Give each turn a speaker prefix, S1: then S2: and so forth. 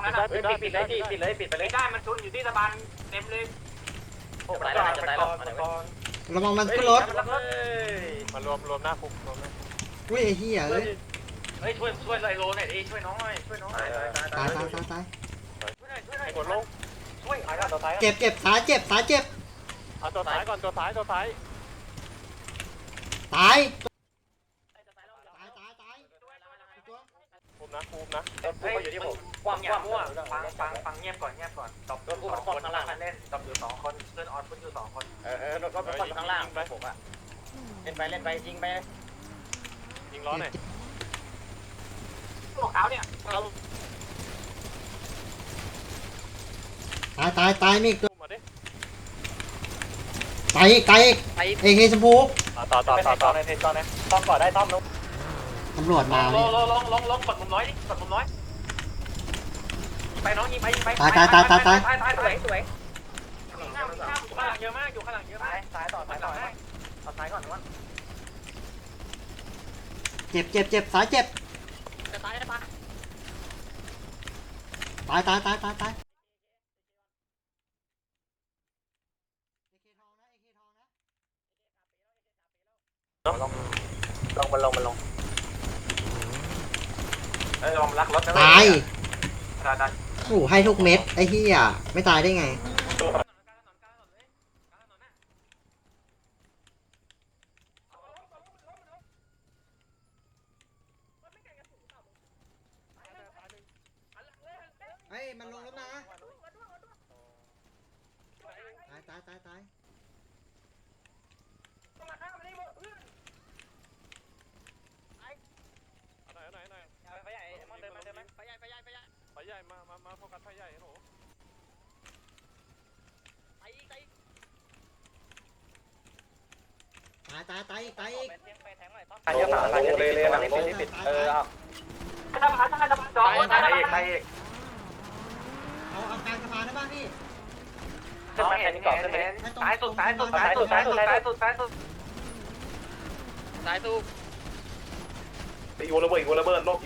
S1: นั้นปิดเลยปิดไปเลยได้มันชุนอยู่ที่สะพานเต็มเลยโอ้ตายแล้วจะตายแล้ว
S2: ระวังมันขึ้นรถ
S3: มารวมหน้าคุกรวมหน้า
S2: อุ้ยไอ้เหี้ยเอ้ย
S1: เฮ้ยช่วยไซโลหน่อยดิช่วยน้องหน่อย
S2: ตาย
S3: ไอ้กดลง
S1: ช่วยตัวท้าย
S2: เจ็บขาเจ็บ
S3: เอาตัวท้ายก่อนตัวท้าย
S2: ตาย
S3: คุมนะ
S1: อยู่ที่ผมความมั่วฟังเงียบก่อนตบผู้คนข้างล่างเล่นตบอยู่2คนเพื่อนออนพุ่งอยู่2คนรถคนข้างล่างไปผมอ่ะเล่นไปยิง
S3: ล้อหน่อย
S1: พวกเขาเนี่ย
S2: ตายนี่ตัว
S3: มาดิ
S2: ตายเอเคชมพู
S3: ต่อในเทจก่อนนะต้อมก่อนได้ต้อมลง
S2: ตำรวจมา
S1: ลงกดมุมน้อยดิกดมุมน้อยไปน้องยิงไป
S2: ตาย
S1: สวยข้างหลังเยอะมากอยู่ข้างหลังเยอะมากซ้ายต่อซ้ายก่อนนะ
S2: เจ็บสายเจ็บ
S1: จะตาย
S2: ตาย
S1: ลงลองรักรถนะ
S2: ตายโอ้ให้ทุกเม็ดไอ้เหี้ยไม่ตายได้ไงเฮ้ยมันลงแล้วนะตาย
S3: ไฟใหญ่มาโฟกัสไฟใหญ่โห
S2: ตาย
S1: ตายเยอะเลยปิด
S2: เอา
S1: ตายกลางสะพานได้ป่ะพี่สายสุด
S4: อีกวอลเลเบิร์ดโลก